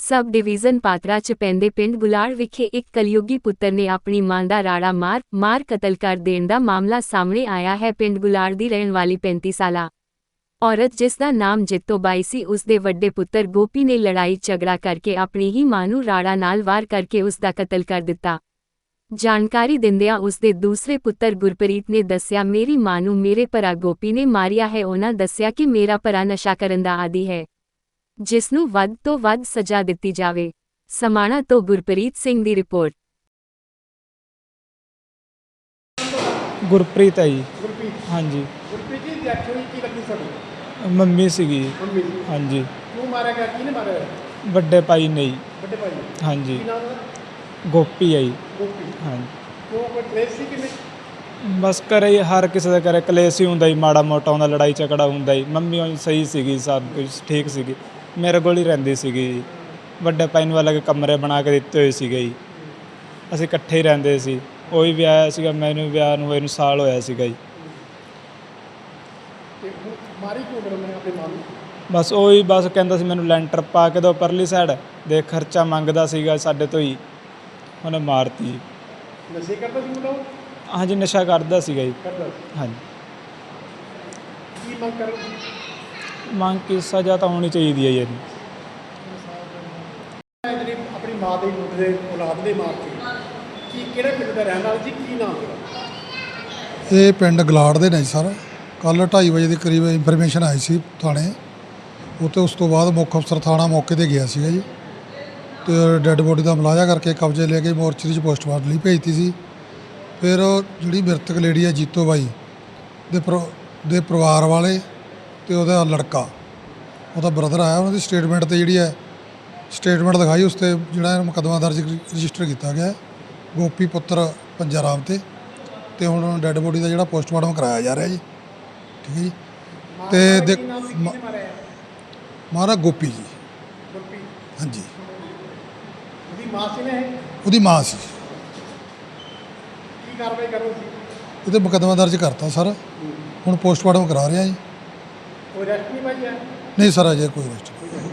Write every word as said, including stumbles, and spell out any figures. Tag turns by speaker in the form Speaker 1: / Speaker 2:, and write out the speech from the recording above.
Speaker 1: Sub division Patra च पैंदे पिंड गुलाड़ विखे एक कलयुगी पुत्तर ने अपनी मां दा राड़ा मार मार कतल कर देण दा मामला सामने आया है। पिंड गुलाड़ दी रहण वाली पैंती साला औरत जिसका नाम जित्तो बाई सी, उसदे वड्डे पुत्तर गोपी ने लड़ाई झगड़ा करके अपनी ही मां नूं राड़ा नाल वार करके उसका कतल कर दिता। जानकारी दिंदिआं उसदे दूसरे पुत्तर गुरप्रीत ने दस्सिआ, मेरी मां नूं मेरे भरा गोपी ने मारिया है। उन्हां दस्सिआ कि मेरा भरा नशा करन दा आदी है, जिसनूं वध तो वध सज़ा दित्ती जावे। समाणा तो गुरप्रीत सिंह दी रिपोर्ट।
Speaker 2: गुरप्रीत है जी।
Speaker 3: गुरप्रीत
Speaker 2: हाँ जी।
Speaker 3: गुरप्रीत जी डेथ हुई की लगती साडी?
Speaker 2: मम्मी सीगी।
Speaker 3: मम्मी
Speaker 2: हाँ जी।
Speaker 3: क्यों मारा गया, किहने मारा?
Speaker 2: बड़े भाई ने जी।
Speaker 3: बड़े भाई?
Speaker 2: हाँ जी।
Speaker 3: की नाम है?
Speaker 2: गोपी है जी।
Speaker 3: गोपी।
Speaker 2: हाँ जी।
Speaker 3: क्यों कोई क्लेश सी किने?
Speaker 2: बस करे ही हर किसी का करे कलेश ही हुंदा जी, माड़ा मोटा हुंदा, लड़ाई झगड़ा हुंदा जी। मम्मी उंज सही सीगी, सब कुछ ठीक सीगी, मेरे कोल ही रहिंदी सीगी जी। ਵੱਡੇ ਭਾਈ ਨੂੰ ਅਲੱਗ ਕਮਰੇ ਬਣਾ ਕੇ ਦਿੱਤੇ ਹੋਏ ਸੀਗੇ ਜੀ। ਅਸੀਂ ਇਕੱਠੇ ਹੀ ਰਹਿੰਦੇ ਸੀ। ਉਹ ਵੀ ਵਿਆਹਿਆ ਸੀਗਾ, ਮੈਨੂੰ ਵਿਆਹ ਨੂੰ ਹੋਏ ਨੂੰ ਸਾਲ ਹੋਇਆ ਸੀਗਾ ਜੀ।
Speaker 3: ਤੇ ਹੁਣ ਮਾਰੀ ਕਿਉਂ ਫਿਰ ਉਹਨੇ ਆਪਣੇ ਮਾਂ ਨੂੰ?
Speaker 2: ਬਸ ਉਹੀ ਬਸ ਕਹਿੰਦਾ ਸੀ ਮੈਨੂੰ ਲੈਂਟਰ ਪਾ ਕੇ ਦਿਓ ਪਰਲੀ ਸਾਈਡ, ਦੇ ਖਰਚਾ ਮੰਗਦਾ ਸੀਗਾ ਸਾਡੇ ਤੋਂ ਹੀ, ਉਹਨੇ ਮਾਰਤੀ ਜੀ।
Speaker 3: ਨਸ਼ੇ ਕਰਦਾ ਸੀ ਮੁੰਡਾ ਉਹ?
Speaker 2: ਹਾਂਜੀ ਨਸ਼ਾ ਕਰਦਾ ਸੀਗਾ ਜੀ।
Speaker 3: ਕਰਦਾ ਸੀ।
Speaker 2: ਹਾਂਜੀ।
Speaker 3: ਕੀ ਮੰਗ ਕਰ?
Speaker 2: ਮੰਗ ਕੀ ਸਜ਼ਾ ਤਾਂ ਹੋਣੀ ਚਾਹੀਦੀ ਹੈ ਜੀ ਇਹਨੂੰ।
Speaker 3: ਜਿਹੜੀ ਆਪਣੀ ਮਾਂ ਦੇ ਮੁੰਡੇ ਦੇ ਔਲਾਦ ਦੇ ਮਾਰਤੀ, ਕੀ ਕਿਹੜੇ ਪਿੰਡ ਦਾ ਰਹਿਣ ਵਾਲਾ ਜੀ, ਕੀ ਨਾਮ ਹੈ?
Speaker 4: ਇਹ ਪਿੰਡ ਗਲਾੜ ਦੇ ਨੇ ਜੀ ਸਰ। ਕੱਲ੍ਹ ਢਾਈ ਵਜੇ ਦੇ ਕਰੀਬ ਇਨਫੋਰਮੇਸ਼ਨ ਆਈ ਸੀ ਥਾਣੇ ਉੱਤੇ। ਉਸ ਤੋਂ ਬਾਅਦ ਮੁੱਖ ਅਫਸਰ ਥਾਣਾ ਮੌਕੇ 'ਤੇ ਗਿਆ ਸੀਗਾ ਜੀ, ਅਤੇ ਡੈੱਡ ਬੋਡੀ ਦਾ ਮੁਲਾਜ਼ਾ ਕਰਕੇ ਕਬਜ਼ੇ ਲੈ ਕੇ ਮੋਰਚਰੀ 'ਚ ਪੋਸਟਮਾਰਟਮ ਲਈ ਭੇਜਤੀ ਸੀ। ਫਿਰ ਜਿਹੜੀ ਮ੍ਰਿਤਕ ਲੇਡੀ ਹੈ ਜੀਤੋ ਬਾਈ ਦੇ ਪਰ ਦੇ ਪਰਿਵਾਰ ਵਾਲੇ ਅਤੇ ਉਹਦਾ ਲੜਕਾ, ਉਹਦਾ ਬ੍ਰਦਰ ਆਇਆ, ਉਹਨਾਂ ਦੀ ਸਟੇਟਮੈਂਟ 'ਤੇ ਜਿਹੜੀ ਹੈ ਸਟੇਟਮੈਂਟ ਦਿਖਾਈ, ਉਸ 'ਤੇ ਜਿਹੜਾ ਮੁਕੱਦਮਾ ਦਰਜ ਰਜਿਸਟਰ ਕੀਤਾ ਗਿਆ ਗੋਪੀ ਪੁੱਤਰ ਪੰਜਾ ਰਾਮ 'ਤੇ। ਅਤੇ ਹੁਣ ਡੈੱਡ ਬੋਡੀ ਦਾ ਜਿਹੜਾ ਪੋਸਟਮਾਰਟਮ ਕਰਾਇਆ ਜਾ ਰਿਹਾ ਜੀ। ਠੀਕ ਹੈ ਜੀ। ਅਤੇ ਦੇ ਮਾਰਾ ਗੋਪੀ ਜੀ।
Speaker 3: ਗੁਰਪ੍ਰੀਤ?
Speaker 4: ਹਾਂਜੀ।
Speaker 3: ਉਹਦੀ ਮਾਂ ਸੀ ਨੇ?
Speaker 4: ਉਹਦੀ ਮਾਂ ਸੀ।
Speaker 3: ਕੀ ਕਾਰਵਾਈ ਕਰੋ ਸੀ?
Speaker 4: ਉਹਦੇ ਮੁਕੱਦਮਾ ਦਰਜ ਕਰਤਾ ਸਰ, ਹੁਣ ਪੋਸਟਮਾਰਟਮ ਕਰਾ ਰਿਹਾ ਜੀ।
Speaker 3: ਕੋਈ ਰੈਸਟ ਨਹੀਂ ਪਾਈ ਹੈ?
Speaker 4: ਨਹੀਂ ਸਰ, ਅਜੇ ਕੋਈ ਰੈਸਟ ਨਹੀਂ।